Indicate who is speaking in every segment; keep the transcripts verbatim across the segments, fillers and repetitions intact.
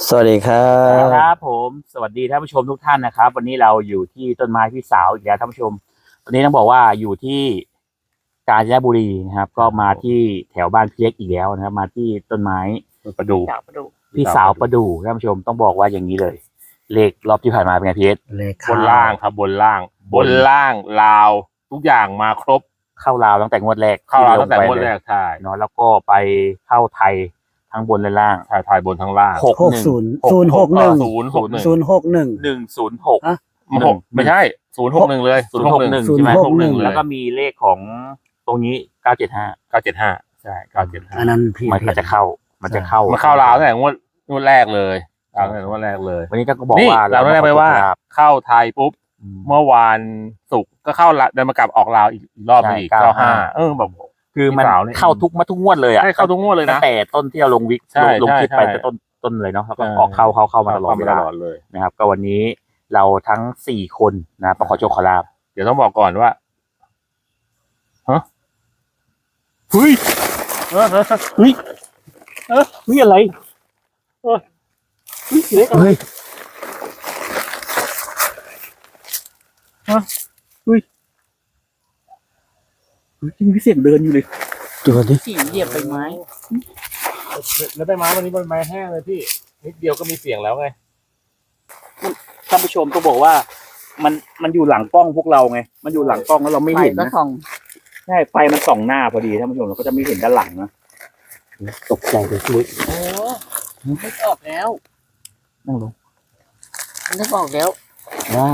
Speaker 1: สวัสดีครับ
Speaker 2: ครับผมสวัสดีท่านผู้ชมทุกท่านนะครับวันนี้เราอยู่ที่ต้นไม้พี่สาวอีกแล้วท่านผู้ชมวันนี้ต้องบอกว่าอยู่ที่กาญจนบุรีนะครับก็มาที่แถวบ้านพี่เล็กอีกแล้วนะครับมาที่ต้นไม้ประดู่พี่สาวประดู่ท่านผู้ชมต้องบอกว่าอย่างนี้เลยเลขรอบที่ผ่านมาเป็นไงพี่เอส
Speaker 1: เลข
Speaker 3: บนล่างครับบนล่าง บนล่างลาวทุกอย่างมาครบ
Speaker 2: เข้าราวตั้งแต่งวดแรก
Speaker 3: เข้าราวตั้งแต่งวดแรกใช่
Speaker 2: เนาะแล้วก็ไปเข้าไทยทั้งบนและล่าง
Speaker 3: ถ่ายถ่ายบนทั้งล่าง
Speaker 1: หกศูนย์ศูนย์หกหนึ่ง
Speaker 3: ศูนย์หกหนึ่ง
Speaker 1: ศูนย์หกหนึ่ง
Speaker 2: หนึ่งศูนย์หก
Speaker 3: หกไม่ใช่ศูนย์หกหนึ่งเลย
Speaker 2: ศูนย์หกหนึ่งใช่ไหมแล้วก็มีเลขของตรงนี้เก้าเจ็ดห้า
Speaker 3: เก้าเจ็ดห้าใช่เก้าเจ็ดห้า
Speaker 1: อันนั้นพี่
Speaker 2: มันจะเข้ามันจะเข้า
Speaker 3: มันเข้าราวตั้งแต่งวดงวดแรกเลยราวตั้งแต่งวดแรกเลย
Speaker 2: วันนี้ก็บอกว่า
Speaker 3: เราได้ไปว่าเข้าไทยปุ๊บเมื่อวานศุกร์ก็เข้าเดินมากลับออกลาวอีกรอบนึงอีกเก้าห้าเออแบบ
Speaker 2: คือมันเข้าทุกมาทุกงวดเลยอ่ะ
Speaker 3: เข้าทุกงวดเลยนะ
Speaker 2: แต่ต้นที่เราลงวิกลงคลิปไปแต่ต้นต้นเลยเนาะแล้วก็ออกเข้าเข้าเข้ามาตลอดเวลา
Speaker 3: เลย
Speaker 2: นะครับก็วันนี้เราทั้งสี่คนนะประขอโชคขอลาบ
Speaker 3: เดี๋ยวต้องบอกก่อนว่าฮะเฮ้ยเออเฮ้ย
Speaker 2: เออนี่อะไรเออเฮ้ยเล็กอะไรฮะเฮ้ยจริงพี่เสียงเดินอยู่เลย
Speaker 1: ตัวนี้
Speaker 2: สีเหยียบใบไม้
Speaker 3: แล้วใบไม้วันนี้ใบไม้แห้งเลยพี่นิดเดียวก็มีเสียงแล้วไง
Speaker 2: ท่านผู้ชมต้องบอกว่ามันมันอยู่หลังกล้องพวกเราไงมันอยู่หลังกล้องแล้วเราไม่เห็นนะใช่ไฟมันส่องหน้าพอดีท่านผู้ชมเราก็จะไม่เห็นด้านหลังนะตกใจเลยช่วย
Speaker 4: โอ้ไม่ออกแล้ว
Speaker 2: นั่งลง
Speaker 4: นึกออกแล้ว
Speaker 2: ว่า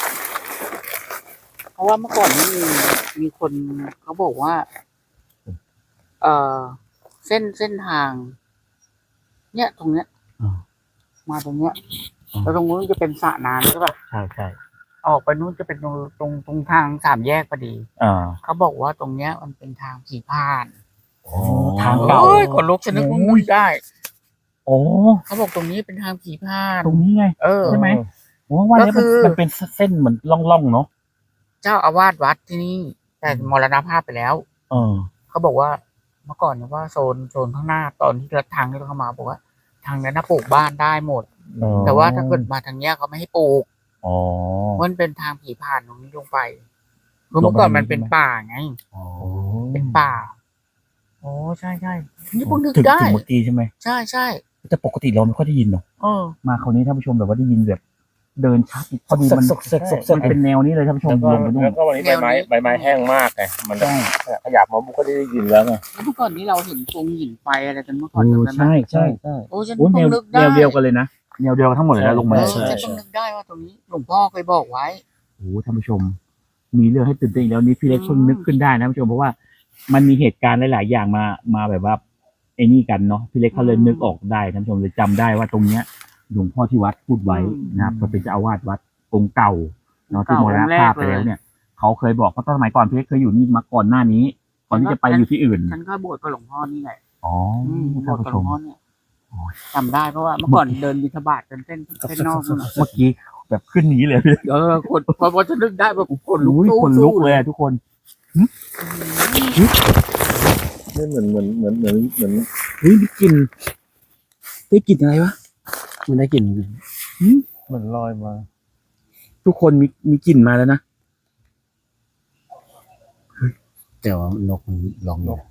Speaker 4: เพราะว่าเมื่อก่อนนี้มีมีคนเขาบอกว่าเอ่อเส้นเส้นทางเนี่ยตรงเนี้ยมาตรงเนี้ยแล้วตรงนู้นจะเป็นสระน้ำใช่ป่ะ
Speaker 2: ใช่ใช่
Speaker 4: ออกไปนู้นจะเป็นตรงตรงตรงทางสามแยกพอดี
Speaker 2: อ่า
Speaker 4: เขาบอกว่าตรงเนี้ยมันเป็นทางผีผ่าน
Speaker 2: ทางเก่า
Speaker 4: คนลุกฉันนึกว่ามุ้ยได้
Speaker 2: โอ้
Speaker 4: เขาบอกตรงนี้เป็นทางผีผ่าน
Speaker 2: ตรงนี้ไง
Speaker 4: เออ
Speaker 2: ใช่ไหมว่าว่านี้มันเป็นเส้นเหมือนล่องๆเนาะ
Speaker 4: เจ้าอาวาสวัดที่นี่แต่มรณภาพไปแล้ว
Speaker 2: เออ
Speaker 4: เขาบอกว่าเมื่อก่อนเนี่ยว่าโซนโซนข้างหน้าตอนที่เราทางที่เราเข้ามาบอกว่าทางนั้นน่ะปลูกบ้านได้หมดแต่ว่าถ้าเกิดมาทางเนี้ยเขาไม่ให้ปลูก
Speaker 2: อ๋อ
Speaker 4: มันเป็นทางผีผ่านตรงนี้ลงไปเมื่อก่อนมันเป็นป่าไง
Speaker 2: อ๋อ
Speaker 4: เป็นป่าโอ้ใช่ใช่นี่พวกนึกได้
Speaker 2: ถึงเมื่อกี้ใช่ไหม
Speaker 4: ใช่ใช่
Speaker 2: แต่ปกติเราไม่ค่อยได้ยินเนาะ
Speaker 4: เออ
Speaker 2: มาคราวนี้ท่านผู้ชมแบบว่าได้ยินแบบเดินชัดพอดีมันมันเป็นแนวนี้เลยท่านผู้ชมลงไปนู่น
Speaker 3: แล้วก็วันนี้ใบไม้ใบไม้แห้งมากไงมันขยับมาบุกก็ได้ยินแล้วไง
Speaker 4: เมื่อก่อนนี้เราเห็นตรงหินไฟอะไรกันเมื่อก่อน
Speaker 2: ใช่ใช่ใช่
Speaker 4: โอ้ฉันเพิ่งนึกได้
Speaker 2: แนวเดียวกันเลยนะแนวเดียวทั้งหมดเลยนะลงมา
Speaker 4: ฉันเพิ่งนึกได้ว่าตรงนี้หลวงพ่อเคยบอกไว้
Speaker 2: โอ้ท่านผู้ชมมีเรื่องให้ตื่นเต้นอีกแล้วนี้พี่เล็กเพิ่งนึกขึ้นได้นะท่านผู้ชมเพราะว่ามันมีเหตุการณ์หลายๆอย่างมามาแบบว่าไอ้นี่กันเนาะพี่เล็กเขาเลยนึกออกได้ท่านผู้ชมเลยจำได้ว่าตรงเนี้ยหลวงพ่อที่วัดพูดไว้นะครับก็เป็นเจ้าอาวาสวัดองค์เก่าเนาะที่มรณภาพไปแล้วเนี่ยเขาเคยบอกเพราะตอนสมัยก่อนพี่เล็กเคยอยู่นี่มาก่อนหน้านี้ก่อนที่จะไปอยู่ที่อื่น
Speaker 4: ฉันก็บวชกับหลวงพ่อนี่แหละ
Speaker 2: อ๋อ
Speaker 4: ท่านผู้ชมจำได้เพราะว่าเมื่อก่อนเดินบิณฑบาตกันเส้นเส้นนอก
Speaker 2: เมื่อกี้แบบขึ้นหนีเลย
Speaker 4: เออคนพอพอจะนึกได้แบบคนลุก
Speaker 2: คนลุกเลยทุกคน
Speaker 3: นี่เหมือนเหมือนเหมือนเหมือนเหมือน
Speaker 2: เฮ้ยได้กลิ่นได้กลิ่นอะไรวะมันได้กลิ่น
Speaker 3: เหมือนลอยมา
Speaker 2: ทุกคนมีมีกลิ่นมาแล้วนะ
Speaker 1: แต่ว่านกมันลองนก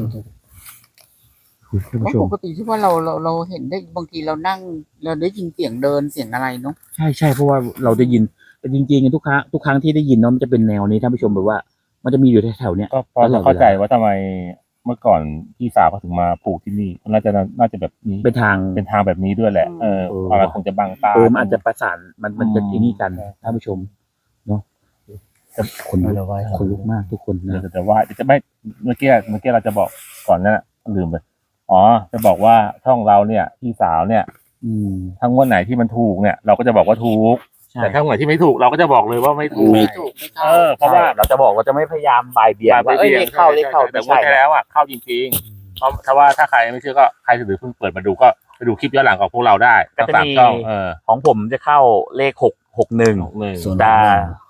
Speaker 4: ปกติที่ว่าเราเราเราเห็นได้บางทีเรานั่งเราได้ยินเสียงเดินเสียงอะไรเนาะ
Speaker 2: ใช่ใช่เพราะว่าเราได้ยินแต่จริงๆทุกครั้งทุกครั้งที่ได้ยินเนาะมันจะเป็นแนวนี้ท่านผู้ชมแบบว่ามันจะมีอยู่แถวๆเนี้ย
Speaker 3: ก็พอเข้าใจว่าทำไมเมื่อก่อนพี่สาวเขาถึงมาปลูกที่นี่น่าจะน่าจะแบบนี้
Speaker 2: เป็นทาง
Speaker 3: เป็นทางแบบนี้ด้วยแหละเออมันคงจะบังตา
Speaker 2: เออมันอาจจะประสานมันมันจะที่นี่กันท่านผู้ชมเนาะคนลุกคนลุกมากทุกคนนะ
Speaker 3: แต่ว่าจะไม่เมื่อกี้เมื่อกี้เราจะบอกก่อนนั่นแหละลืมไปอ๋อจะบอกว่าช่องเราเนี่ยพี่สาวเนี่ยทั้งวันไหนที่มันถูกเนี่ยเราก็จะบอกว่าถูกแต่ถ้าวันไหนที่ไม่ถูกเราก็จะบอกเลยว่าไม่ถูก
Speaker 4: ไม่ถูก
Speaker 3: เออเพราะว่า
Speaker 2: เราจะบอกเราจะไม่พยายามบ่ายเบี่ยงว่าเอ้ยเลขเข้าเลขเข้า
Speaker 3: แต่ว่าแล้วอ่ะเข้าจริงๆเพราะถ้าว่าถ้าใครไม่เชื่อก็ใครถือเพิ่งเปิดมาดูก็ไปดูคลิปย้อนหลังของพวกเราได้
Speaker 2: ก็จะมีของผมจะเข้าเลขหกหกหนึ่งแต่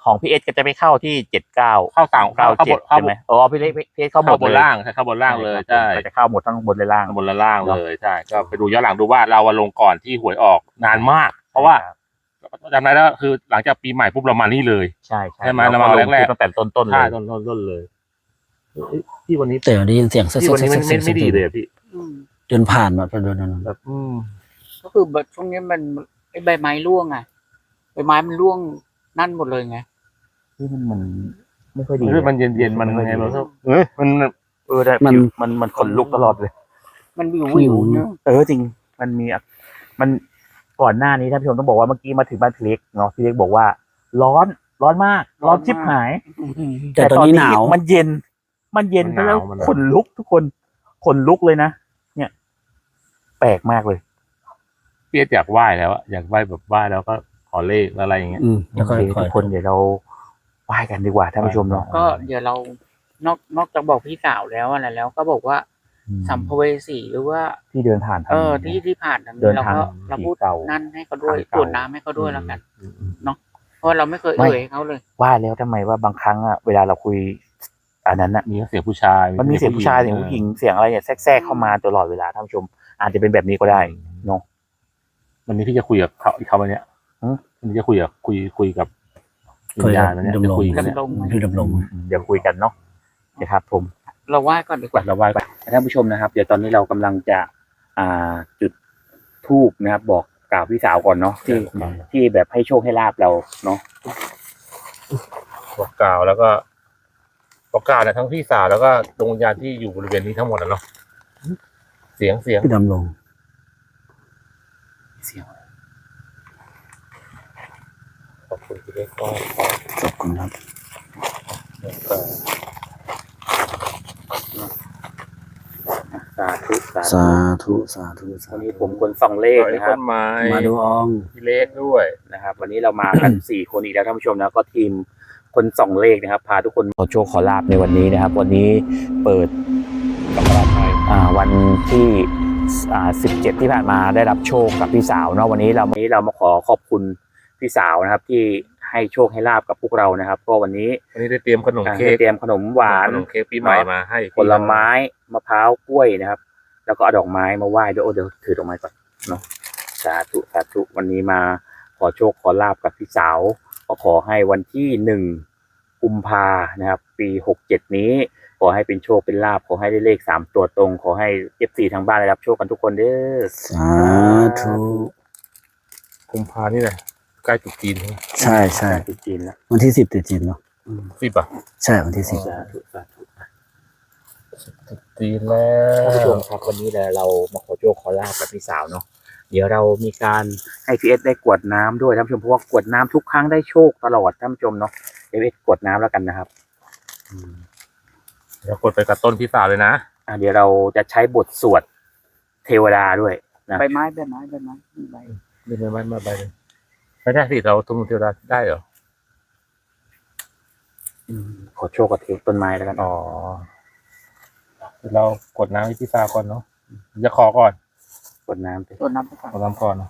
Speaker 2: ของพี่เอสก็จะไปเข้าที่เจ็ดเก้า
Speaker 3: เข้าต่าง
Speaker 2: เก้า
Speaker 3: เข้า
Speaker 2: เจ็
Speaker 3: บ
Speaker 2: ด
Speaker 3: นเข้า
Speaker 2: ใช่ไหมอ๋อพี่เล็กพี่เอสเข้าหม
Speaker 3: เข้า
Speaker 2: ด
Speaker 3: บน
Speaker 2: เลย
Speaker 3: ล่างใช่เข้าบนล่างเลยใช่
Speaker 2: ก็จะเข้าหมดทั้งบนและล่าง
Speaker 3: บนและล่างเลยใช่ก็ไปดูย้อนหลังดูว่าเราอะลงก่อนที่หวยออกนานมาก เพราะว่าจำได้แล้วคือหลังจากปีใหม่ปุ๊บเรามานี่เลย
Speaker 2: ใช่ใช่
Speaker 3: ใช่ไหมเรามาแรกๆ
Speaker 2: ตั้งแต่ต้นต้นๆเล
Speaker 3: ใช่
Speaker 2: ย
Speaker 3: ต้นต้นต้นเลยเอ้ยพี่วันนี้
Speaker 1: แต่ได้ยินเสียง
Speaker 3: พี่วันนี้มันไม่ไม่ดีเลยอะพี่
Speaker 4: อืม
Speaker 1: เดินผ่านมาพอเดินนั้น
Speaker 3: แบบอืม
Speaker 4: ก็คือแบบช่วงนี้มันไอ้ใบไม้ร่วงไงใบไม้มันร่วงนั่นหมดเลยไง
Speaker 2: ที่มันมันไม่ค่อยดี
Speaker 3: เฮ้ยมันเย็นเย็นๆมันไงเราก็เอ้ยมัน
Speaker 2: เออได้มันมันมันขนลุกตลอดเลย
Speaker 4: มันวิววิวเนี่ย
Speaker 2: เออจริงมันมีอ่ะมันก่อนหน้านี้ท่านผู้ชมต้องบอกว่าเมื่อกี้มาถึงบ้านพี่เล็กเนาะพี่เล็กบอกว่า ร้อนร้อนมาก ร้อนชิบหาย
Speaker 1: แต่ตอนนี้หนาว
Speaker 2: มันเย็น มันเย็นไปแล้วขนลุกทุกคนขนลุกเลยนะเนี่ย แปลกมากเลย
Speaker 3: พี่อยากไหว้แล้วอะอยากไหว้แบบไหว้แล้วก็ขอเลขอะไรอย่างเงี้ย
Speaker 1: อืม
Speaker 2: โอ
Speaker 1: แล้วก็
Speaker 2: เค
Speaker 1: คอ
Speaker 2: ทุ
Speaker 1: ย
Speaker 2: กคนเดี๋ยวเราไหว้กันดีกว่าท่านผู้ชมเนาะ
Speaker 4: ก็เดี๋ยวเรานอกนอกจากบอกพี่สาวแล้วอะไรแล้ว ก็บอกว่าสัมภเวสีหรือว่า
Speaker 2: ที่เดินผ่านทาง
Speaker 4: เออที่ที่ผ่านทาง
Speaker 2: เดิ
Speaker 4: นี้
Speaker 2: น
Speaker 4: เรา
Speaker 2: ทาง
Speaker 4: ก็เราพูด
Speaker 2: ผีเก่า
Speaker 4: นั่นให้เขาด้วย
Speaker 2: ทาง
Speaker 4: ต
Speaker 2: เก่าร
Speaker 4: วจน้ำให้เขาด้วยแล้วกัน
Speaker 3: อืมอืม
Speaker 4: เนาะเพราะเราไม่เคย
Speaker 2: ไม่
Speaker 4: เอ่ยให้เขาเลย
Speaker 2: ว่าแล้วทำไมว่าบางครั้งอ่ะเวลาเราคุยอันนั้นอ่ะ
Speaker 3: มีเสียงผู้ชาย
Speaker 2: มันมีเสียงผู้ชายเสียงผู้หญิงเสียงอะไรเนี่ยแทรกๆเข้ามาตลอดเวลาท่านผู้ชม อาจจะเป็นแบบนี้ก็ได้เนาะ
Speaker 3: วันนี้พี่จะคุยกับเขาอีกเขาวันเนี้ย
Speaker 2: หือ
Speaker 3: วันนี้จะคุยกับคุยคุยกับวิ
Speaker 1: คุ
Speaker 3: ญ
Speaker 1: ย
Speaker 3: ญา
Speaker 1: กั
Speaker 3: ณ
Speaker 1: บ
Speaker 3: วันเนี้ย
Speaker 1: ดำ
Speaker 3: จะ
Speaker 1: รง
Speaker 3: คุยกันเนี่ย
Speaker 4: ดำรง
Speaker 1: พี่ดำรง
Speaker 2: เดี๋ยวคุยกันเนาะนะครับผม
Speaker 4: เราไหว้ก่อนดีกว่า
Speaker 2: เราไหว้ไปท่านผู้ชมนะครับ เดี๋ยวตอนนี้เรากำลังจะอ่าจุดธูปนะครับ บอกกล่าวพี่สาวก่อนเนาะที่ที่แบบให้โชคให้ลาบเราเนาะ
Speaker 3: บอกกล่าวแล้วก็บอกกล่าวเนี่ยทั้งพี่สาวแล้วก็ดวงวิญญาณที่อยู่บริเวณนี้ทั้งหมดอะเนาะเสียงเสียง
Speaker 1: พี่ดำรง
Speaker 2: เสียง
Speaker 3: ขอบคุณพี่เล็กก็
Speaker 1: ขอบคุณครับ
Speaker 2: สาธุสา
Speaker 1: สา
Speaker 2: ธุ
Speaker 1: ธุสาธุสา
Speaker 2: วัน
Speaker 1: ธุ
Speaker 2: นี้ผมคนส่องเลข
Speaker 3: ต้
Speaker 2: นะครับ
Speaker 3: นไม้
Speaker 1: มาดูออง
Speaker 3: พี่เล็กด้วย
Speaker 2: นะครับ วันนี้เรามากัน สี่คนอีกแล้วท่านผู้ชมนะก็ทีมคนส่องเลขนะครับ พาทุกคนขอโชคขอลาบในวันนี้นะครับ วันนี้เปิด
Speaker 3: กับราไทย
Speaker 2: อ่าวันที่อ่าสิบเจ็ดที่ผ่านมาได้รับโชคกับพี่สาวเนาะวันนี้เราวันนี้เรามาขอขอบคุณพี่สาวนะครับ ที่ให้โชคให้ลาบกับพวกเรานะครับเพราะวันนี้
Speaker 3: วันนี้ได้เตรียมขนม
Speaker 2: อ่า
Speaker 3: เค้ก
Speaker 2: ได้เตรียมขนมหวาน
Speaker 3: ขนมเค้กปีใหม่มาให้
Speaker 2: ผลไม้มะพร้าวกล้วยนะครับ แล้วก็เอาดอกไม้มาไหว้ด้วยโอ้เดี๋ยวถือดอกไม้ก่อนเนาะสาธุสาธุวันนี้มาขอโชคขอลาบกับพี่สาวก็ขอให้วันที่หนึ่งกุมภานะครับ ปีหกเจ็ดนี้ ขอให้เป็นโชคเป็นลาบขอให้ได้เลขสามตัวตรง ขอให้เอฟซีทางบ้านได้รับโชคกันทุกคนเด้อ
Speaker 1: สาธุ
Speaker 3: กุมภานี่แหละใกล้จุดจีน
Speaker 1: ใช่ใช่
Speaker 2: จุดจีนแล้ว
Speaker 1: วันที่สิบติดจีนเนาะ
Speaker 3: สิบอ่ะ
Speaker 1: ใช่วันที่สิบ
Speaker 2: สาธุสาธุ
Speaker 3: จุดจีนแล้
Speaker 2: ท่านผู้ช
Speaker 3: ว
Speaker 2: มครับวันนี้แหละเรามาขอโชคขอลาบกับพี่สาวเนาะเดี๋ยวเรามีการให้พีเอสได้กวดน้ำด้วยท่านผู้ชมเพราะว่ากวดน้ำทุกครั้งได้โชคตลอดท่านผู้ชมเนาะเอฟเอสกวดน้ำแล้วกันนะครับอืม
Speaker 3: เดี๋ยวกดไปกับต้นพี่สาวเลยนะ
Speaker 2: อ่ะเดี๋ยวเราจะใช้บทสวดเทวดาด้วยนะ
Speaker 4: ใบไม้ใบไม้ใบไม้ใบ
Speaker 3: ไม่ไม่ไม่ไม่ไปเลยไม่ได้สิเราทุนเทวดาได้เหรอ
Speaker 2: อืมขอโชคกับเทต้นไม้แล้วกัน
Speaker 3: อ๋อเดี๋ยวเรากดน้ำให้พี่สาวก่อนเนาะจะขอก่อน
Speaker 2: กวดน้ำไป
Speaker 4: ต้นน้ำไปก่อน
Speaker 3: ขอน้ำก่อนเนาะ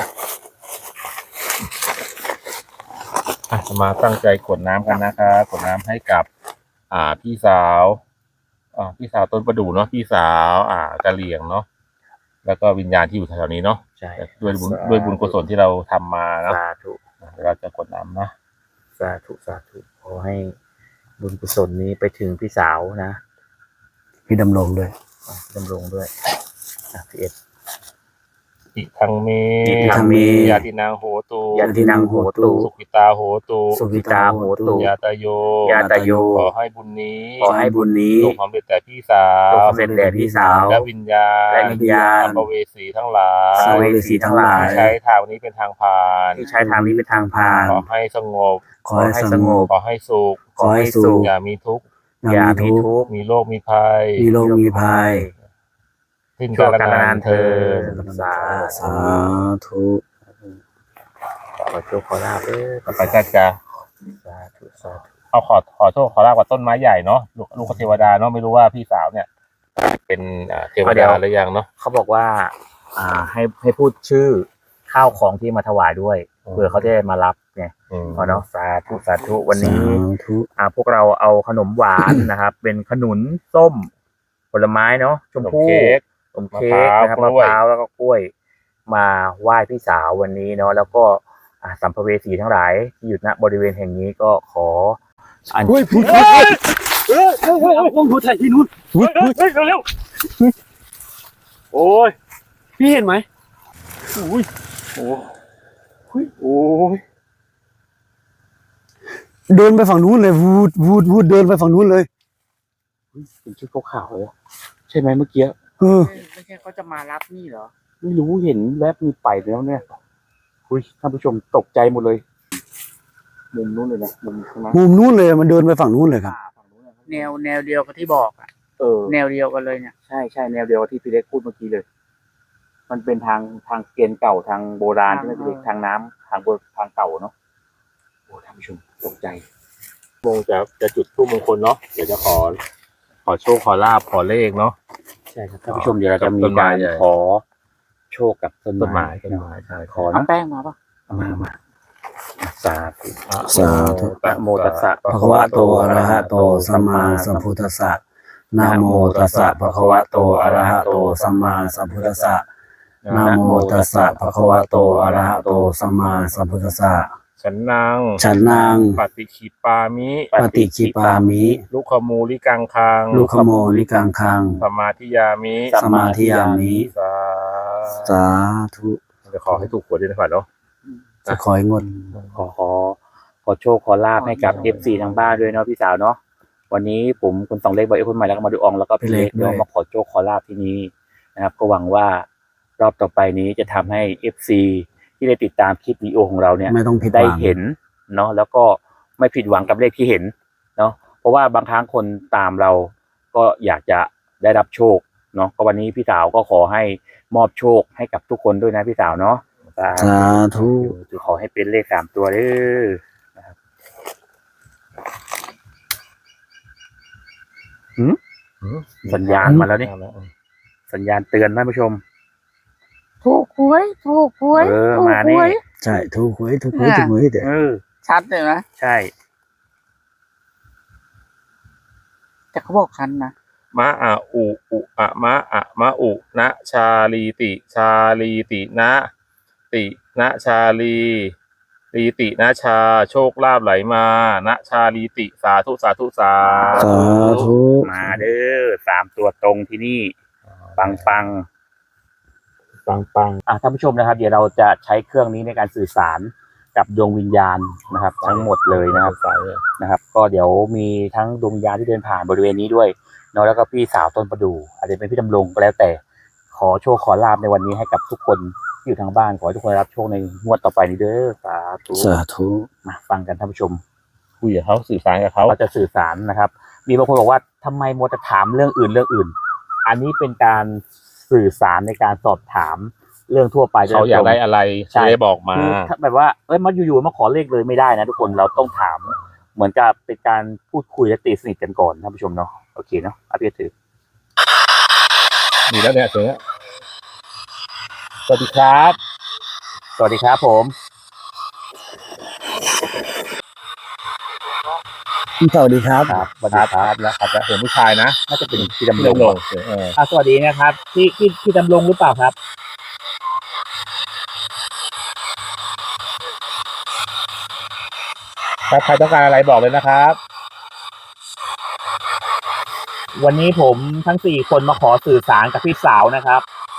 Speaker 3: อ่ะมาตั้งใจกดน้ำกันนะครับกดน้ำให้กับ อ่าพี่สาวอ่าพี่สาวต้นประดู่เนาะพี่สาว อ่ากะเหลี่ยงเนาะแล้วก็วิญญาณที่อยู่แถวๆนี้เนาะ
Speaker 2: ใช่
Speaker 3: ด้วยบุญด้วยบุญกุศลที่เราทำมาเนาะ
Speaker 2: สาธุ
Speaker 3: เดี๋ยวเราจะกดน้ำนะ
Speaker 2: สาธุสาธุขอให้บุญกุศลนี้ไปถึงพี่สาวนะ
Speaker 1: พี่ดำรงด้วย
Speaker 2: อ่ะดำรงด้วยอ่ะพี่เอส
Speaker 3: อิทังเม
Speaker 2: อิทังเม
Speaker 3: ยาตินางโหตู
Speaker 2: ยันทินังโหตุ
Speaker 3: สุขิตาโหตู
Speaker 2: สุขิตาโหตุ
Speaker 3: ยาตาโย
Speaker 2: ยาตโย
Speaker 3: ขอให้บุญนี้
Speaker 2: ขอให้บุญนี้
Speaker 3: จงสำเร็จแต่พี่สา
Speaker 2: จ
Speaker 3: ว
Speaker 2: งสำเร็จแด่พี่สาว
Speaker 3: และวิญญาณ
Speaker 2: และวิญญาณ
Speaker 3: สัมภเวสีทั้งหลาย
Speaker 2: สัมภเวสีทั้งหลาย
Speaker 3: ที่ใช้ทางนี้เป็นทางผ่าน
Speaker 2: ที่ใช้ทางนี้เป็นทางผ่าน
Speaker 3: ขอให้สงบ
Speaker 1: ขอให้สงบ
Speaker 3: ขอให้สุข
Speaker 1: ขอให้สุข
Speaker 3: อย่ามีทุกข์
Speaker 2: อย่า
Speaker 1: มี
Speaker 2: มี
Speaker 1: ทุกข์
Speaker 2: ทุกข์
Speaker 3: มีโรคมีภัย
Speaker 1: มีโรคมีภัย
Speaker 3: สิ้น
Speaker 2: ชั่
Speaker 3: กาว ล
Speaker 2: กาล
Speaker 3: นาน
Speaker 2: าน น
Speaker 3: เธ
Speaker 2: เทิ
Speaker 3: อ
Speaker 2: นสา
Speaker 1: สาธุ
Speaker 2: ขอโชคขอลาบเด้อ
Speaker 3: ต่อไปก็จะ
Speaker 2: สาธุสาธุ
Speaker 3: เอาขอขอโทษขอลาบกับต้นไม้ใหญ่เนาะลูกลูกเทวดาเนาะไม่รู้ว่าพี่สาวเนี่ย เป็นอ่าเทวดาหรือยังเนาะ
Speaker 2: เขาบอกว่า อ่า ให้ให้พูดชื่อข้าวของที่มาถวายด้วยเผื่อเขาจะได้มารับใน
Speaker 4: ไง
Speaker 3: อืม
Speaker 4: พอเนาะสาธุสาธุวันนี้
Speaker 1: สาธุ
Speaker 4: อ่าพวกเราเอาขนมหวาน นะครับ เป็นขนุนส้มผลไม้เนาะชมพู่
Speaker 3: ขนมเค้ก
Speaker 4: ขนมเค้กนะครับ
Speaker 3: มะ
Speaker 4: มะ
Speaker 3: พ
Speaker 4: พ
Speaker 3: ร้า
Speaker 4: ร้าว วแล้วก็กล้วย มาไหว้พี่สาววันนี้เนาะแล้วก็อ่าสัมภเวสีทั้งหลายที่อยู่ณบริเวณแห่งนี้ก็ขออัญ
Speaker 1: เฮ้ยพูด
Speaker 3: เฮ้ยเฮ้ยเฮ้ย
Speaker 1: เอากล้องโทรถ่ายที่นู้น
Speaker 3: เฮ้ยเฮ้ยเร็วๆโอ้ย
Speaker 1: พี่เห็นไหม
Speaker 3: โอ้ยโอ้ยโอ้ย
Speaker 1: เดินไปฝั่งนู้นเลยวูดวูดวูดเดินไปฝั่งนู้นเลย
Speaker 2: เป็นชุดขาวๆเลยใช่ไหมเมื่อกี้
Speaker 1: เออ
Speaker 4: ไม่ใช่เขาจะมารับนี่เหรอ
Speaker 2: ไม่รู้เห็นแวบมีไปแล้วเนี่ยคุยท่านผู้ชมตกใจหมดเลยมุมนู้นเลยนะมุมข้างหน้า
Speaker 1: มุมนู้นเลยมันเดินไปฝั่งนู้นเลยครับ
Speaker 2: ฝั่งนู้นนะครับ
Speaker 4: แนวแนวเดียวกับที่บอกอ่ะ
Speaker 2: เออ
Speaker 4: แนวเดียวกันเลยเนี่ย
Speaker 2: ใช่ใช่แนวเดียวกับที่พี่เล็กพูดเมื่อกี้เลย มันเป็นทางทางเกณฑ์เก่าทางโบราณใช่ไหมพี่เล็กทางน้ำทางโบทางเก่าเนาะโอ้ท่านผู้ชมตกใจ
Speaker 3: โมงจะจะจุดทูปมงคลเนาะเดี๋ยวจะขอ ขอโชคขอลาบขอเลขเนาะ
Speaker 2: ใช่ครับท่านผู้ชมเดี๋ยวเราจะมี
Speaker 3: ต้นไม้
Speaker 2: การ
Speaker 3: ใหญ่
Speaker 2: ขอโชคกับต้น
Speaker 3: ต้นไม้
Speaker 2: ไม้
Speaker 3: ต้นไม้ใช่
Speaker 2: ขอ
Speaker 4: เอา
Speaker 2: นะ
Speaker 4: แป้งมาปะ
Speaker 2: มามาสาธุ
Speaker 1: สาธุ
Speaker 2: นะโมตัสสะ
Speaker 1: ภะคะวะโตอะระหะโตสัมมาสัมพุทธัสสะนะโมตัสสะภะคะวะโตอะระหะโตสัมมาสัมพุทธัสสะนะโมตัสสะภะคะวะโตอะระหะโตสัมมาสัมพุทธัสสะ
Speaker 3: ฉันนาง
Speaker 1: ฉันนาง
Speaker 3: ปฏิคิปามิ
Speaker 1: ปฏิคิปามิ
Speaker 3: ลุคมูลิกังคัง
Speaker 1: ลูกขโมลิกังคัง
Speaker 3: สมาธิยามิ
Speaker 1: สมาธิยามิ
Speaker 3: สา
Speaker 1: สาธุ
Speaker 3: จะขอให้ถูกหวยด้วยนะครับเนาะ
Speaker 1: จะคอยงด
Speaker 2: ขอขอขอโชคขอลาบให้กับ เอฟ ซี ทางบ้านด้วยเนาะพี่สาวเนาะวันนี้ผมคุณสองเล็กบอยเอฟคนใหม่แล้วก็มาดูอองแล้วก็พี่เล็กเนาะมาขอโชคขอลาบที่นี้นะครับ ก็หวังว่ารอบต่อไปนี้จะทำให้ เอฟ ซี ที่ได้ติดตามคลิปวิดีโอของเราเนี่ย
Speaker 1: ไม่ต้องผิดห
Speaker 2: ได้
Speaker 1: วัง
Speaker 2: เห็นเนาะแล้วก็ไม่ผิดหวังกับเลขที่เห็นเนาะเพราะว่าบางครั้งคนตามเราก็อยากจะได้รับโชคเนาะก็วันนี้พี่สาวก็ขอให้มอบโชคให้กับทุกคนด้วยนะพี่สาวเนาะ
Speaker 1: สาธุ
Speaker 2: จะขอให้เป็นเลขสามตัวเด้อนะครับหืมสัญญาณมาแล้วนี่สัญญาณเตือนท่านผู้ชม
Speaker 4: ถูกหวยถูกหวย
Speaker 2: เออ
Speaker 4: ถูก
Speaker 2: มา
Speaker 4: ห
Speaker 2: นี่
Speaker 4: วย
Speaker 1: ใช่ถูกหวยถูกหวยถูกหวยเดี๋ยว
Speaker 2: เออ
Speaker 4: ชัดเลยนะ
Speaker 2: ใช่
Speaker 4: แต่เขาบอกชันนะ
Speaker 3: มะอะอุอุอะมะอะมะอุนะชาลีติชาลีตินะตินะชาลีลีตินะชาโชคลาภไหลมานะชาลีติสาธุสาธุสา
Speaker 1: สาธุ
Speaker 2: มาเด้อสามตัวตรงที่นี่ ปังปัง
Speaker 3: ปังปัง
Speaker 2: อ่ะท่านผู้ชมนะครับ เดี๋ยวเราจะใช้เครื่องนี้ในการสื่อสารกับดวงวิญญาณนะครับ ทั้งหมดเลยนะครับ
Speaker 3: สาย
Speaker 2: นะครับ ก็เดี๋ยวมีทั้งดวงวิญญาณที่เดินผ่านบริเวณนี้ด้วยเนาะแล้วก็พี่สาวต้นประดู่อาจจะเป็นพี่ดำรงก็แล้วแต่ขอโชคขอลาบในวันนี้ให้กับทุกคนที่อยู่ทางบ้านขอให้ทุกคนรับโชคในงวดต่อไปนี้เด้อสาธุ
Speaker 1: สาธุ
Speaker 2: มาฟังกันท่านผู้ชม
Speaker 3: คุยกับเขาสื่อสารกับเขา
Speaker 2: เขาจะสื่อสารนะครับ มีบางคนบอกว่าทำไมมัวแต่ถามเรื่องอื่นเรื่องอื่น อันนี้เป็นการสื่อสารในการสอบถามเรื่องทั่วไป
Speaker 3: เขาอยากได้อะไร
Speaker 2: ใช่
Speaker 3: จะได้บอกมา
Speaker 2: คือถ้าแบบว่าเอ้ยมาอยู่ๆมาขอเลขเลยไม่ได้นะทุกคนเราต้องถาม เหมือนกับเป็นการพูดคุยและตีสนิทกันก่อนท่านผู้ชมเนาะโอเคเนาะอาพี่ถือ
Speaker 3: มีแล้วเนี่ยเสือสวัสดีครับ
Speaker 2: สวัสดีครับผม
Speaker 1: สวัสดีครับ
Speaker 2: ครับสวัส
Speaker 3: ค
Speaker 2: ดี
Speaker 3: รับ
Speaker 2: ค
Speaker 3: ค
Speaker 2: รั
Speaker 3: รั
Speaker 2: บบ
Speaker 3: แล้วครับแล้วเห็นผู้ชายนะ
Speaker 2: น่าจะเป็นพี่
Speaker 3: เรื่
Speaker 2: ดำร
Speaker 3: อง
Speaker 2: ง
Speaker 3: ลงเออ
Speaker 2: อ่ะสวัสดีนะครับพี่พี่พี่ดำรงหรือเปล่าครับ
Speaker 3: ถ้าใครต้องการอะไรบอกเลยนะครับ
Speaker 2: วันนี้ผมทั้งสี่คนมาขอสื่อสารกับพี่สาวนะครับ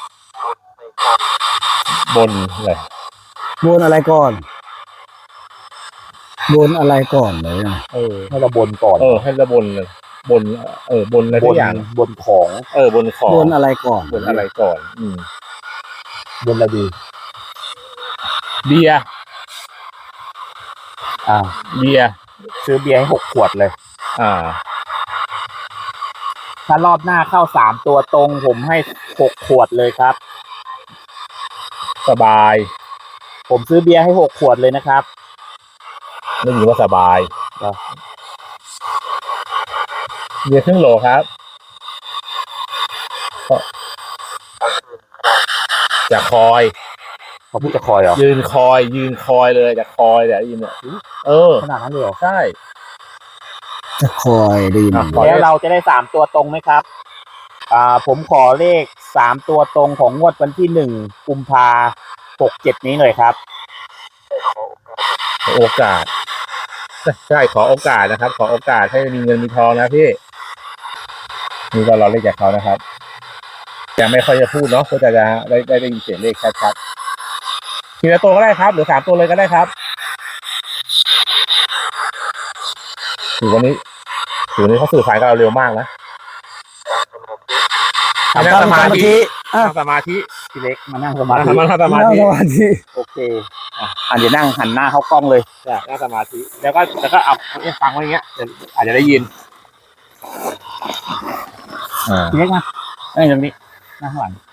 Speaker 3: บนเลย
Speaker 1: บนอะไรก่อนบนอะไรก่อนเลยนะ
Speaker 3: เออ
Speaker 2: ให้เราบนก่อน
Speaker 3: เออ ให้ระบนเลยบน เออบนอะไร
Speaker 2: บ
Speaker 3: ทุ
Speaker 2: น
Speaker 3: กอย่าง
Speaker 2: บนของ
Speaker 3: เออบนของ
Speaker 1: บนอะไรก่อน
Speaker 3: บนอะไรก่อน อืม
Speaker 2: บนอะไรดี
Speaker 3: เบียร์
Speaker 2: อ่า
Speaker 3: เบียร์
Speaker 2: ซื้อเบียร์ให้หกขวดเลย
Speaker 3: อ่า
Speaker 2: ถ้ารอบหน้าเข้าสามตัวตรงผมให้หกขวดเลยครับ
Speaker 3: สบาย
Speaker 2: ผมซื้อเบียร์ให้หกขวดเลยนะครับ
Speaker 3: ไม่มีว่าสบาย
Speaker 2: ครับ
Speaker 3: เบียร์ครึ่งโหลครับก็จะคอยเขาพูดจะคอยเหรอยืนคอย ยืนคอยเลยจะคอยแต่ได้ยินเนี่ยเออขนาดนั้นเลยเหรอใช่
Speaker 1: จะคอยไดีน
Speaker 2: แล้วเราจะได้สามตัวตรงไหมครับ อ่า ผมขอเลขสามตัวตรงของงวดวันที่หนึ่งกุมภาหกเจ็ดนี้หน่อยครับ
Speaker 3: โอกาสใช่ขอโอกาสนะครับ ขอโอกาสให้มีเงินมีทองนะพี่นี่ก็เราเลขจากเขานะครับยังไม่ค่อยจะพูดเนาะก็จะได้ได้ได้ยินเสียงเลขชัดๆทีละตัวก็ได้ครับหรือสามตัวเลยก็ได้ครับถือวันนี้ถือวันนี้เขาสื่อสารกับเราเร็วมากนะ
Speaker 1: นั่งสมาธิอ่ะ
Speaker 3: นั่งสมาธิ
Speaker 2: พี่เล็กมานั่งสมาธิ
Speaker 3: นั่งสมา
Speaker 1: นั่ง
Speaker 3: ธิ
Speaker 1: สมาธิ
Speaker 2: โอเค อ่ะอ่ะเดี๋ยวนั่งหันหน้าเข้ากล้องเลย
Speaker 3: ใช่นั่งสมาธิแล้วก็แล้วก็เอาเนี่ยฟังไว้อย่างเงี้ยเดี๋ยวอาจจะได้ยินอ่า
Speaker 2: พี่เล็กมาไอ้ยตรงนี้นั่งข้างหลัง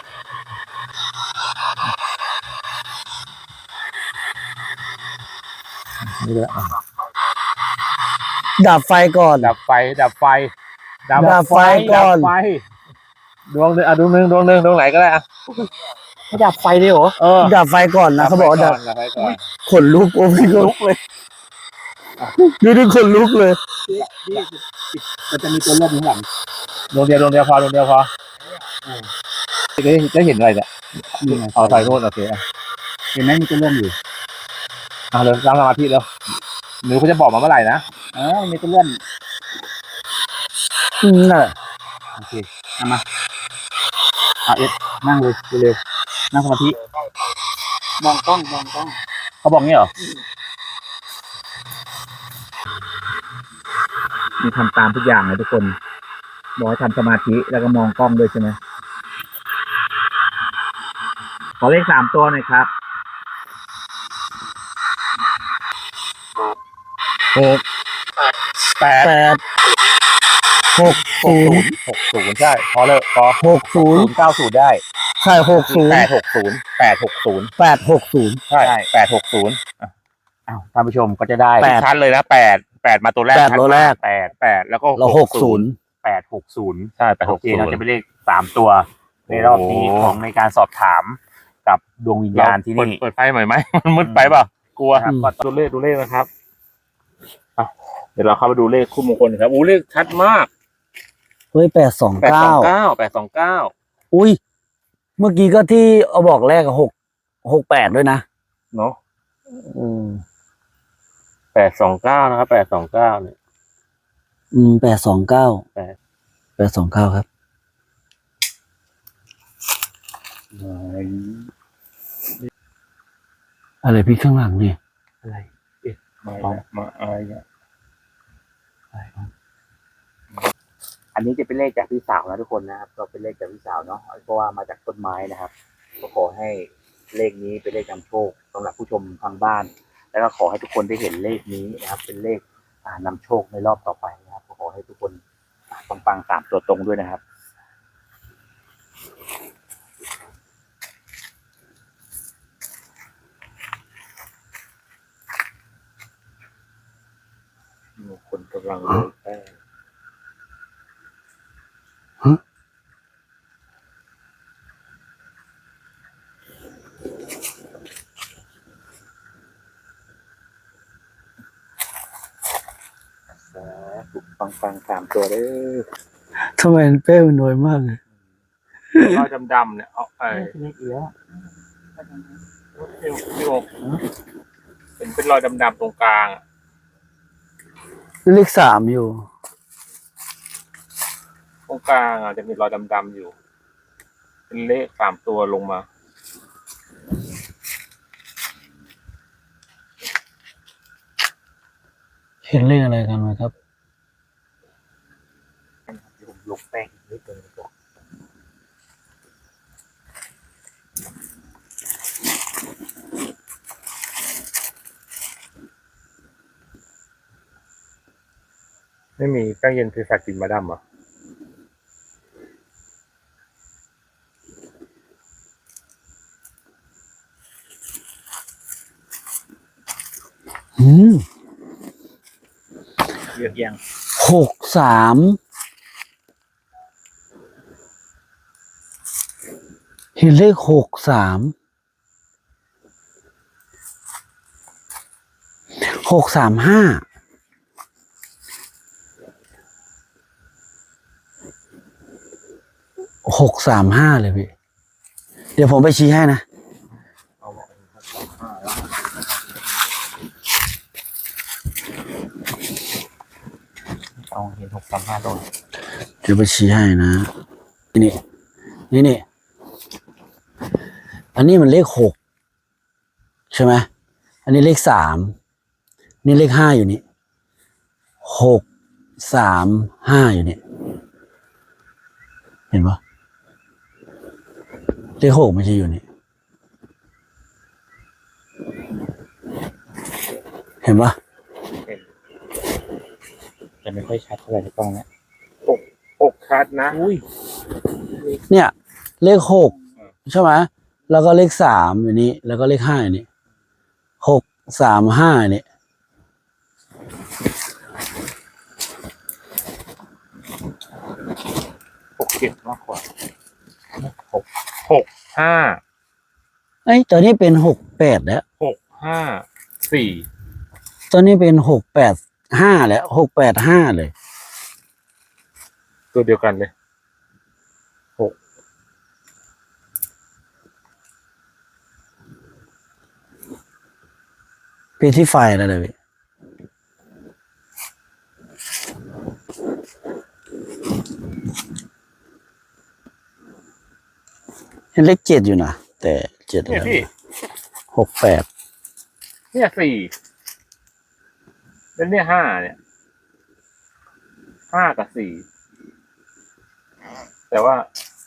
Speaker 1: ดับไฟก่อน
Speaker 3: ดับไฟดับไฟ
Speaker 1: ดับไฟก่อน
Speaker 3: ดับไฟดวงหนึ่งอ่ะดวงหนึ่งดวงหนึ่งดวงไหนก็ได้อ่ะ
Speaker 2: ให้ดับไฟเลยเหรอ
Speaker 3: เออ
Speaker 1: ดับไฟก่อนนะเขาบอกว่าดับ
Speaker 3: ดับไฟก่อน
Speaker 1: ขนลุกโอ้พี่ลุกเลยดูดิขนลุกเลย
Speaker 2: มันจะมีตัวเลือกอยู่ข้างหลัง
Speaker 3: ดวงเดียวดวงเดียวพอดวงเดียวพอจะได้จะเห็นอะไรเนี่ย
Speaker 2: นี่ไง
Speaker 3: เอาไฟโน่นโอเคอ่ะ
Speaker 2: เห็นไหมมีตัวเลือกอยู่
Speaker 3: เอาเลยนั่งสมาธิแล้วหนูเขาจะบอกมาเมื่อไหร่นะ
Speaker 2: เออมีตัวเลื่อน
Speaker 1: อืมน่ะ
Speaker 2: โอเคเอามาเอาเอ็ดนั่งเลยเร็วๆนั่งสมาธิ
Speaker 4: มองกล้องมองกล้อง
Speaker 2: เขาบอกงี้เหรอมีทำตามทุกอย่างเลยทุกคนบอกให้ทำสมาธิแล้วก็มองกล้องด้วยใช่ไหมขอเลขสามตัวหน่อยครับ
Speaker 3: หกแปด
Speaker 1: แปดหก
Speaker 3: หก
Speaker 1: ศู
Speaker 3: ศู
Speaker 1: น
Speaker 3: น
Speaker 1: ย์
Speaker 3: ย์หกศูนย์ใช่พอเลยพอ
Speaker 1: หกศู
Speaker 3: ศู
Speaker 1: นย์
Speaker 3: นย์เก้าศูนย์ได้
Speaker 1: ใช่หกศูน
Speaker 3: แป
Speaker 1: ย์
Speaker 3: ดหกศูนย์แปดหกศูนย์
Speaker 1: แปดหกศูนย์
Speaker 3: ใช่แปดหกศูนย์
Speaker 2: อ้าวท่านผู้ชมก็จะได้
Speaker 1: แปด
Speaker 3: ชัดเลยนะแปดแปดมาตัวแรก
Speaker 1: แปด
Speaker 3: ชัด
Speaker 1: ตัวแรก
Speaker 3: แปดแปดแล้วก็
Speaker 1: เราหกศูนย์
Speaker 2: แปดหกศูนย์
Speaker 3: ใช่แปด
Speaker 2: โอ
Speaker 3: หก
Speaker 2: เค
Speaker 3: ศูน
Speaker 2: เรา
Speaker 3: ย์
Speaker 2: จะไปเลขสามตัวในรอบนี้
Speaker 3: โอ้
Speaker 2: ของในการสอบถามกับดวงวิญญาณที่
Speaker 3: เปิด
Speaker 2: นี่
Speaker 3: เปิดไฟหน่อยไหม มันมืดไปเปล่ากลัว
Speaker 2: ครับ
Speaker 3: ก็ดูเลขดูเลขนะครับอ่ะเดี๋ยวเราเข้าไปดูเลขคู่มงคลครับอู้เลขชัดมาก
Speaker 1: เฮ้ยแปดสอง
Speaker 3: แปดส
Speaker 1: เก้า
Speaker 3: องเก้าแปดสองเก้า
Speaker 1: อุ้ยเมื่อกี้ก็ที่เอาบอกแรกหกหกแปดด้วยนะ
Speaker 3: เนาะอืมแปดสองเก้านะครับแปดสองเก้าเนี่ย
Speaker 1: อืมแปดสองเก้า
Speaker 3: แปด
Speaker 1: แปดสองเก้าครับ อะไรพี่ข้างหลังเนี่ย
Speaker 2: อะไร
Speaker 3: มามาอะไรเนี่ย
Speaker 2: อันนี้จะเป็นเลขจากพี่สาวนะทุกคนนะครับก็เป็นเลขจากพี่สาวเนาะเพราะว่ามาจากต้นไม้นะครับก็ขอให้เลขนี้เป็นเลขนำโชคสำหรับผู้ชมทางบ้าน แล้วก็ขอให้ทุกคนได้เห็นเลขนี้นะครับ เป็นเลขอ่านำโชคในรอบต่อไปนะครับก็ขอให้ทุกคนปังๆสามตัวตรงด้วยนะครับ
Speaker 3: คนกำลังเลยแป้ง
Speaker 2: ปังปังๆสามตัวเลย
Speaker 1: ทำไมเป้มันน้อยมากเลย
Speaker 3: รอยดำๆเนี่ยเอาไอ้
Speaker 2: เลขเยอะ
Speaker 3: พี่พี่โอเห็นเป็นรอยดำๆตรงกลางอะ
Speaker 1: เลขสามอยู่
Speaker 3: ตรงกลางอ่ะจะมีรอยดำๆอยู่ เป็นเลขสามตัวลงมา
Speaker 1: เห็นเลขอะไรกันไหมครับ
Speaker 2: ผมลงแป้งนิดนึงดีกว่า
Speaker 3: ไม่มีแป้งเย็นคือสักกินมาดำเหรอ
Speaker 1: อืม
Speaker 2: เยอะยัง
Speaker 1: หกสามเห็นเลขหกสามหกสามห้าหกสามห้าเลยพี่เดี๋ยวผมไปชี้ให้นะ
Speaker 2: เอาเห็นหกสามห้าโดน
Speaker 1: เดี๋ยวไปชี้ให้นะนี่นี่นี่อันนี้มันเลขหกใช่ไหมอันนี้เลขสามนี่เลขห้าอยู่นี่หกสามห้าอยู่นี่เห็นปะเลขหกไม่ใช่อยู่นี่เห็นปะ
Speaker 2: จะไม่ค่อยชัดเท่าไหร่ในกล้องเนี้ย
Speaker 3: อกอกชัดนะ
Speaker 2: อุ้ย
Speaker 1: เนี่ยเลขหกใช่ไหมแล้วก็เลขสามอยู่นี้แล้วก็เลขห้าอยู่นี่หกสามห้านี่
Speaker 3: หกเจ็ดมากกว่าหกหกห้า
Speaker 1: ไอ้ยตัวนี้เป็นหกแปดแล้ว
Speaker 3: หกห้าสี่
Speaker 1: ตัวนี้เป็นหกแปดห้าแล้วหกแปดห้าเลย
Speaker 3: ตัวเดียวกันเลยหก
Speaker 1: เป็นที่ไฟแล้วเลยพี่เห็นเลขเจ็ดอยู่นะแต่เจ็ด
Speaker 3: เนี่ยพี่
Speaker 1: หกแปด
Speaker 3: เนี่ยสี่แล้วเนี่ยห้าเนี่ยห้ากับสี่แต่ว่า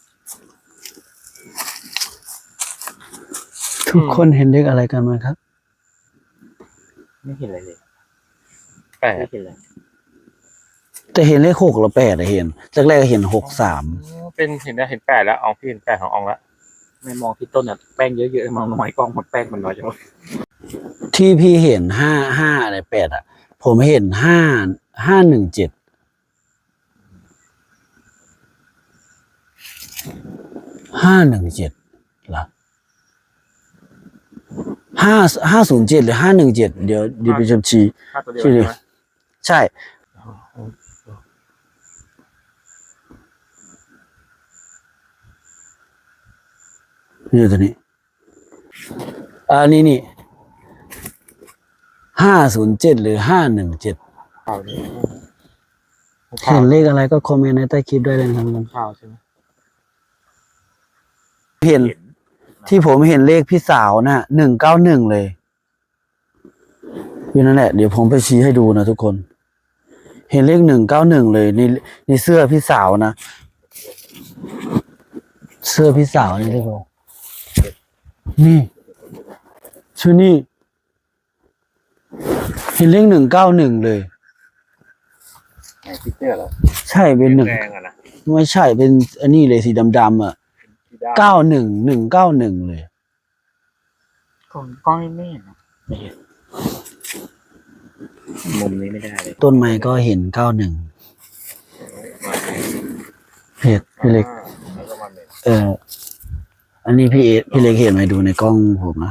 Speaker 1: ทุกคนเห็นเลขอะไรกันไหมครับ
Speaker 2: ไม่เห็นอะไรเลย
Speaker 3: แปด
Speaker 2: ไม่เห็นเลย
Speaker 1: แต่เห็นเลขหกหรือแปดอะเห็นจากแรกเห็นหกสาม
Speaker 3: เป็นเห็นได้เห็นแปดแล้วอองพี่เห็นแปดของอองแล้ว
Speaker 2: ไม่มองที่ต้นอ่ะแป้งเยอะๆมองน้อยกล้องหมดแป้งมันน้อยจังเลย
Speaker 1: ที่พี่เห็นห้าห้าอะไรแปดอ่ะ ผมเห็นห้าห้าหนึ่งเจ็ดห้าหนึ่งเจ็ดเหรอห้าห้าศูนย์เจ็ดหรือห้าหนึ่งเจ็ดเดี๋ยวเดี๋ยวไปจำชี
Speaker 3: ห้าตัวเดียวใช่ไหม
Speaker 1: ใช่นี่ตัวนี้อ่านี่นี่ห้าศูนย์เจ็ดหรือห้าหนึ่งเจ็ด
Speaker 2: ข่าวนี้
Speaker 1: เห็นเลขอะไรก็คอมเมนต์ในใต้คลิปได้เลยนะครับ
Speaker 2: ข่าวใช่ไหม
Speaker 1: เห็นที่ผมเห็นเลขพี่สาวน่ะหนึ่งเก้าหนึ่งเลยอยู่นั่นแหละเดี๋ยวผมไปชี้ให้ดูนะทุกคน เห็นเลขหนึ่งเก้าหนึ่งเลยในในเสื้อพี่สาวนะเสื้อพี่สาวนี่ทุกคนนี่ชื่อนี่เห็นเลขหนึ่งเก้าหนึ่งเลย
Speaker 3: ไหนพี่เสื้อเหรอ
Speaker 1: ใช่เป็นหนึ่ง
Speaker 3: แดงอะนะ
Speaker 1: ไม่ใช่เป็นอันนี้เลยสีดำๆอ่ะ
Speaker 3: ที่ด้าน
Speaker 1: เก้าหนึ่งหนึ่งเก้าหนึ่งเลย
Speaker 2: กล้องกล้องไม่เห็นนะไม่เห็นมุมนี้ไม่ได้เลย
Speaker 1: ต้นไม้ก็เห็นเก้าหนึ่งเพจพี่เล็ก
Speaker 3: แล้วก็มาหนึ่ง
Speaker 1: เออ อันนี้พี่เอพี่เล็กเห็นไหมดูในกล้องผมนะ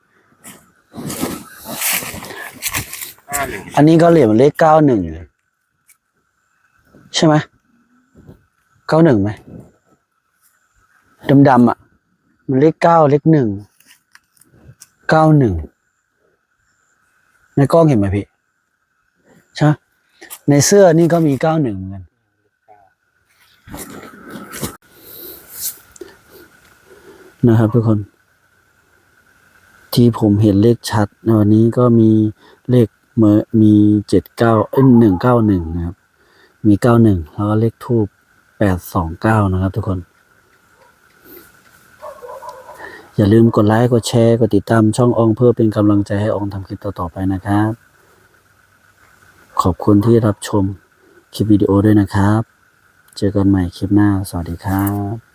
Speaker 3: ห้าหนึ่ง
Speaker 1: อันนี้ก็เหรียญเลขเก้าหนึ่งใช่ไหมเก้าหนึ่งไหมดำๆอ่ะ มันเลขเก้าเลขหนึ่งเก้าหนึ่งในกล้องเห็นไหมพี่ใช่ในเสื้อนี่ก็มีเก้าหนึ่งเหมือนกันนะครับทุกคน ที่ผมเห็นเลขชัดในวันนี้ก็มีเลขเมื่อมีเจ็ดเก้าเอ้ยหนึ่งเก้าหนึ่งนะครับ มีเก้าหนึ่งแล้วก็เลขทูปแปดสองเก้านะครับทุกคน อย่าลืมกดไลค์กดแชร์กดติดตามช่องอองเพื่อเป็นกำลังใจให้อองทำคลิปต่อๆไปนะครับ ขอบคุณที่รับชมคลิปวิดีโอด้วยนะครับ เจอกันใหม่คลิปหน้าสวัสดีครับ